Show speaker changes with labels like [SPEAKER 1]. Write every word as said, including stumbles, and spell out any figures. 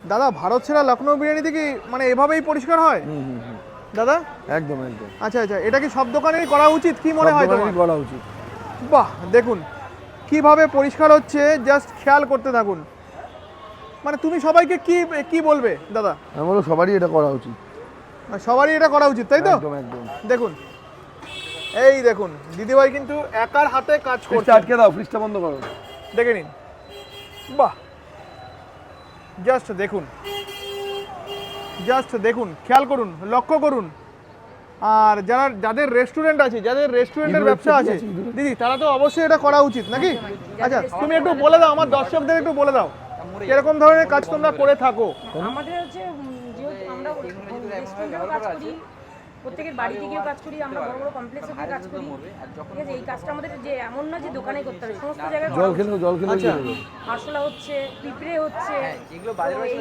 [SPEAKER 1] দাদা ভারত সেরা লখনৌ বিরিয়ানিতে কি মানে এভাবেই পরিষ্কার হয়
[SPEAKER 2] হুম হুম হুম
[SPEAKER 1] দাদা?
[SPEAKER 2] একদম একদম
[SPEAKER 1] আচ্ছা আচ্ছা, এটা কি সব দোকানেই করা উচিত কি মনে হয় তোমার?
[SPEAKER 2] করা উচিত।
[SPEAKER 1] বাহ দেখুন কিভাবে পরিষ্কার হচ্ছে, জাস্ট খেয়াল করতে থাকুন। মানে তুমি সবাইকে কি কি বলবে দাদা?
[SPEAKER 2] আমি বলবো সবারই এটা করা উচিত।
[SPEAKER 1] সবারই এটা করা উচিত তাই তো?
[SPEAKER 2] একদম একদম।
[SPEAKER 1] দেখুন এই দেখুন দিদিভাই কিন্তু একার হাতে কাজ করছে।
[SPEAKER 2] ফ্রিজটা আটকে দাও, ফ্রিজটা বন্ধ করো।
[SPEAKER 1] দেখে নিন, বাহ জাস্ট দেখুন, জাস্ট দেখুন, খেয়াল করুন, লক্ষ্য করুন। আর যারা যাদের রেস্টুরেন্ট আছে, যাদের রেস্টুরেন্টের ব্যবসা আছে দিদি, তারা তো অবশ্যই এটা করা উচিত নাকি? আচ্ছা তুমি একটু বলে দাও আমার দর্শকদের, একটু বলে দাও কিরকম ধরনের কাজ তোমরা করে থাকো।
[SPEAKER 3] আমাদের হচ্ছে যেহেতু আমরা রেস্টুরেন্টেও কাজ করি, প্রত্যেকের বাড়িতে গিয়েও কাজ করি, আমরা বড় বড় কমপ্লেক্সে গিয়ে কাজ করি, ঠিক আছে? এই কাজটা আমাদের যে এমন না যে দোকানে করতে হবে, সমস্ত জায়গায়
[SPEAKER 2] জল খেলে জল খেলে
[SPEAKER 1] আচ্ছা
[SPEAKER 3] আরশোলা হচ্ছে, পিঁপড়ে হচ্ছে,